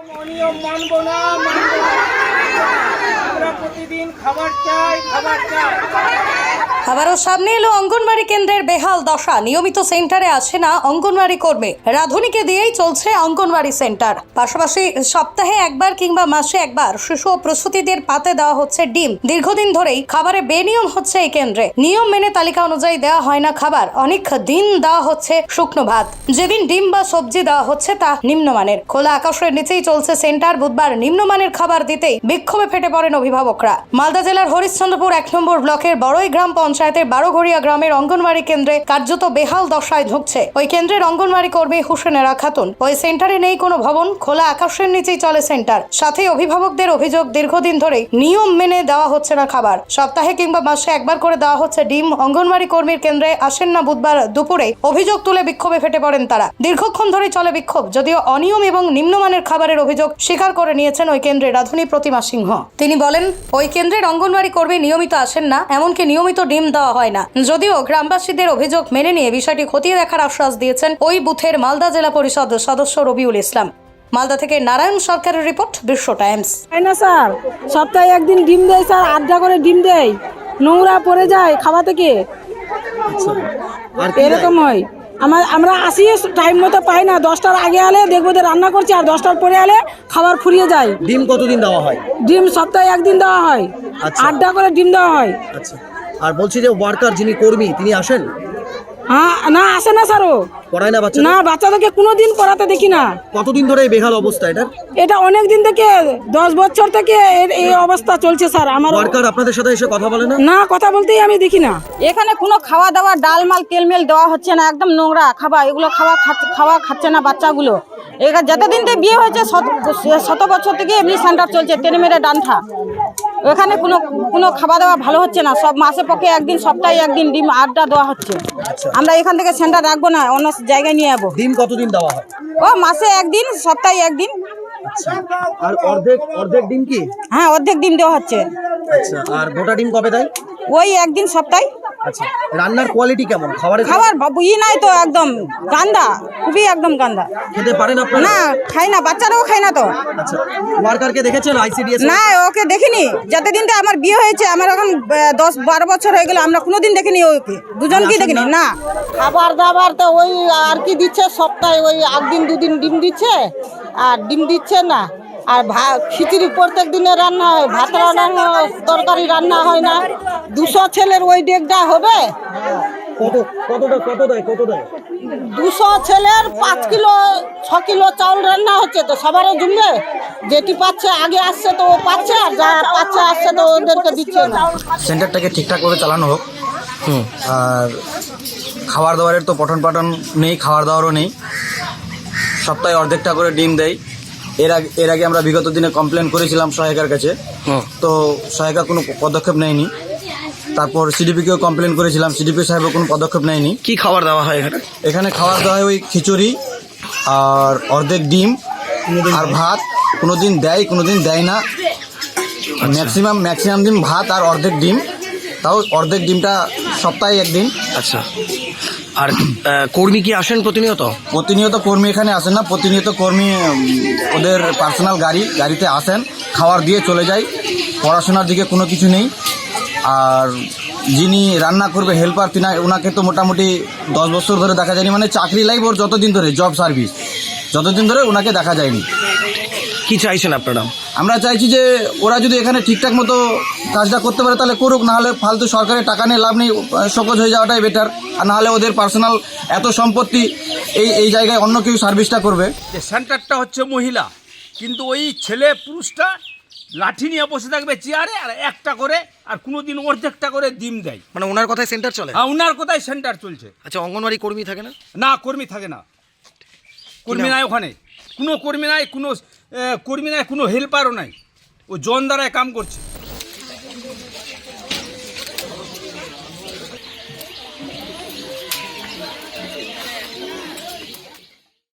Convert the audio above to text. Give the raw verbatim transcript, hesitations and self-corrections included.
অনিয়ম মানবো না, মানবো না। আমরা প্রতিদিন খাবার চাই, খাবার চাই। আবারও সামনে এলো অঙ্গনওয়াড়ি কেন্দ্রের বেহাল দশা। নিয়মিত সেন্টারে আসে না অঙ্গনওয়াড়ি কর্মী। রাধুনীকে দিয়েই চলছে অঙ্গনওয়াড়ি সেন্টার। পাশাপাশি সপ্তাহে একবার কিংবা মাসে একবার শিশু ও প্রসূতিদের পাতে দেওয়া হচ্ছে ডিম। দীর্ঘদিন ধরেই খাবারে বেনিয়ম হচ্ছে এই কেন্দ্রে। নিয়ম মেনে তালিকা অনুযায়ী দেওয়া হয় না খাবার। অনেক দিন দেওয়া হচ্ছে শুকনো ভাত। যেদিন ডিম বা সবজি দেওয়া হচ্ছে তা নিম্নমানের। খোলা আকাশের নিচেই চলছে সেন্টার। বুধবার নিম্নমানের খাবার দিতেই বিক্ষোভে ফেটে পড়েন অভিভাবকরা। মালদা জেলার হরিশ্চন্দ্রপুর এক নম্বর ব্লকের বড়ই গ্রাম পঞ্চায়েতের বারোঘড়িয়া গ্রামের অঙ্গনওয়াড়ি কেন্দ্রে কার্যত বেহাল দশায় ঢুকছে ওই কেন্দ্রের অঙ্গনওয়াড়ি কর্মী হুসেনেরা খাতুন। ওই সেন্টারে নেই কোনো ভবন, খোলা আকাশের নিচেই চলে সেন্টার। সাথে অভিভাবকদের অভিযোগ, দীর্ঘদিন ধরে নিয়ম মেনে দেওয়া হচ্ছে না খাবার। সপ্তাহে কিংবা মাসে একবার করে দেওয়া হচ্ছে ডিম। অঙ্গনওয়াড়ি কর্মীর কেন্দ্রে আসেন না বুধবার দুপুরে। অভিযোগ তুলে বিক্ষোভে ফেটে পড়েন তারা। দীর্ঘক্ষণ ধরে চলে বিক্ষোভ। যদিও অনিয়ম এবং নিম্নমানের খাবারের অভিযোগ স্বীকার করে নিয়েছেন ওই কেন্দ্রের রাধুনী প্রতিমা সিংহ। তিনি বলেন, ওই কেন্দ্রের অঙ্গনওয়াড়ি কর্মী নিয়মিত আসেন না, এমনকি নিয়মিত ডিম দেওয়া হয় না। যদিও গ্রামবাসীদের অভিযোগ মেনে নিয়ে বিষয়টি খতিয়ে দেখার আশ্বাস দিয়েছেন ওই বুথের মালদা জেলা পরিষদ সদস্য রবিউল ইসলাম। মালদা থেকে নারায়ণ সরকারের রিপোর্ট, বিশ্ব টাইমস। না স্যার, সপ্তাহে একদিন ডিম দেয় স্যার, আড্ডা করে ডিম দেয়, নোংরা পড়ে যায় খাওয়া থেকে, এরকম হয়। আমার আমরা আসি টাইম মতো পাই না। দশটার আগে আলে দেখবো যে রান্না করছি, আর দশটার পরে আলে খাবার ফুরিয়ে যায়। ডিম কতদিন দেওয়া হয়? ডিম সপ্তাহে একদিন দেওয়া হয়। আচ্ছা। আড্ডা করে ডিম দেওয়া হয়। আচ্ছা, আর বলছি যে ওয়ার্কার যিনি কর্মী তিনি আসেন? হ্যাঁ, না আসে না স্যার। ও পড়ায় না বাচ্চা? না, বাচ্চাদেরকে কোনোদিন পড়াতে দেখি না। কতদিন ধরে এই বেহাল অবস্থা এটা? এটা অনেক দিন থেকে, দশ বছর থেকে এর- এই অবস্থা চলছে স্যার। আমার ওয়ার্কার আপনাদের সাথে এসে কথা বলে না? না, কথা বলতেই আমি দেখি না। এখানে কোনো খাওয়া দাওয়া, ডাল মাল তেল মেল দেওয়া হচ্ছে না, একদম নোংরা খাবার। এগুলো খাওয়া খাচ্ছে খাওয়া খাচ্ছে না বাচ্চাগুলো। এখানে যতদিন থেকে বিয়ে হয়েছে শত শত বছর থেকে এমনি সেন্টার চলছে, টেনে মেরে ডান্ঠা। এখানে কোনো কোনো খাওয়া দাওয়া ভালো হচ্ছে না। সব মাসে পক্ষে একদিন, সপ্তাহে একদিন ডিম আড্ডা দেওয়া হচ্ছে। আমরা এখান থেকে সেন্টার রাখবো না, অন্য জায়গায় নিয়ে যাবো। ডিম কতদিন দেওয়া হয়? ও মাসে একদিন, সপ্তাহে একদিন। আচ্ছা, আর অর্ধেক অর্ধেক ডিম কি? হ্যাঁ, অর্ধেক ডিম দেওয়া হচ্ছে। আচ্ছা, আর গোটা ডিম কবে দেয়? ওই একদিন সপ্তাহে। আচ্ছা, রান্নার কোয়ালিটি কেমন? খাবারের খাবার বাবু ই নাই তো, একদম গান্দা, খুবই একদম গান্দা। খেতে পারেন আপনারা? না, খাই না, বাচ্চারাও খায় না তো। আচ্ছা, ওয়ার্কারকে দেখেছেন আইসিডিএস? না, ওকে দেখিনি। যতদিন তো আমার বিয়ে হয়েছে, আমার এখন আহ, দশ বারো বছর হয়ে গেল, আমরা কোনোদিন দেখিনি ওকে, দুজনকেই দেখিনি। না, খাবার দাবার তো ওই আর কি দিচ্ছে, সপ্তাহে ওই একদিন দুদিন ডিম দিচ্ছে, আর ডিম দিচ্ছে না। আর ভাত খিচুড়ি প্রত্যেক দিনে রান্না হয়, ভাত রান্না হয়, তরকারি রান্না হয় না। দুশো ছেলের ওই ডেকটা হবে? কত কতটা কত দেয় কত দেয়? দুশো ছেলের পাঁচ কিলো ছ কিলো চাউল রান্না হচ্ছে, তো সবারও জমবে? যেটি পাচ্ছে আগে আসছে তো ও পাচ্ছে, আর যা পাচ্ছে আসছে তো ওদেরকে দিচ্ছে না। সেন্টারটাকে ঠিকঠাক করে চালানো হোক। আর খাবার দাবারের তো পঠন পাঠন নেই, খাবার দাবারও নেই। সপ্তাহে অর্ধেকটা করে ডিম দেয়। এর আগে এর আগে আমরা বিগত দিনে কমপ্লেন করেছিলাম সহায়িকার কাছে, তো সহায়িকা কোনো পদক্ষেপ নেয়নি। তারপর সিডিপিকেও কমপ্লেন করেছিলাম, সিডিপি সাহেবও কোনো পদক্ষেপ নেয়নি। কি খাবার দেওয়া হয় এখানে? এখানে খাবার দেওয়া হয় ওই খিচুড়ি আর অর্ধেক ডিম আর ভাত। কোনো দিন দেয়, কোনো দিন দেয় না। ম্যাক্সিমাম ম্যাক্সিমাম দিন ভাত আর অর্ধেক ডিম, তাও অর্ধেক ডিমটা সপ্তাহে একদিন। আচ্ছা, আর কর্মী কি আসেন প্রতিনিয়ত? প্রতিনিয়ত কর্মী এখানে আসেন না। প্রতিনিয়ত কর্মী উম, ওদের পার্সোনাল গাড়ি গাড়িতে আসেন, খাবার দিয়ে চলে যায়। পড়াশোনার দিকে কোনো কিছু নেই। আর যিনি রান্না করবে হেল্পার, তিনি ওনাকে তো মোটামুটি দশ বছর ধরে দেখা যায়নি, মানে চাকরি লাইফ ওর যতদিন ধরে, জব সার্ভিস যতদিন ধরে ওনাকে দেখা যায়নি। কি চাইছেন আপনারা? আমরা চাইছি যে ওরা যদি এখানে ঠিকঠাক মতো কাজটা করতে পারে তাহলে করুক, নাহলে ফালতু সরকারের টাকা নিয়ে লাভ নেই, সকোজ হয়ে যাওয়াটাই বেটার। আর নাহলে ওদের পার্সোনাল এত সম্পত্তি, এই এই জায়গায় অন্য কেউ সার্ভিসটা করবে। যে সেন্টারটা হচ্ছে মহিলা, কিন্তু ওই ছেলে পুরুষটা লাঠি নিয়ে বসে থাকবে চেয়ারে, আর একটা করে, আর কোনোদিন অর্ধেকটা করে ডিম দেয়। মানে ওনার কথায় সেন্টার চলে? হ্যাঁ, ওনার কোথায় সেন্টার চলছে। আচ্ছা, অঙ্গনওয়াড়ি কর্মী থাকে না? না, কর্মী থাকে না, কর্মী নাই ওখানে, কোনো কর্মী নাই, কোনো আহ, কর্মী নাই, কোনো হেল্পারও নাই। ও জন দ্বারায় কাম করছে।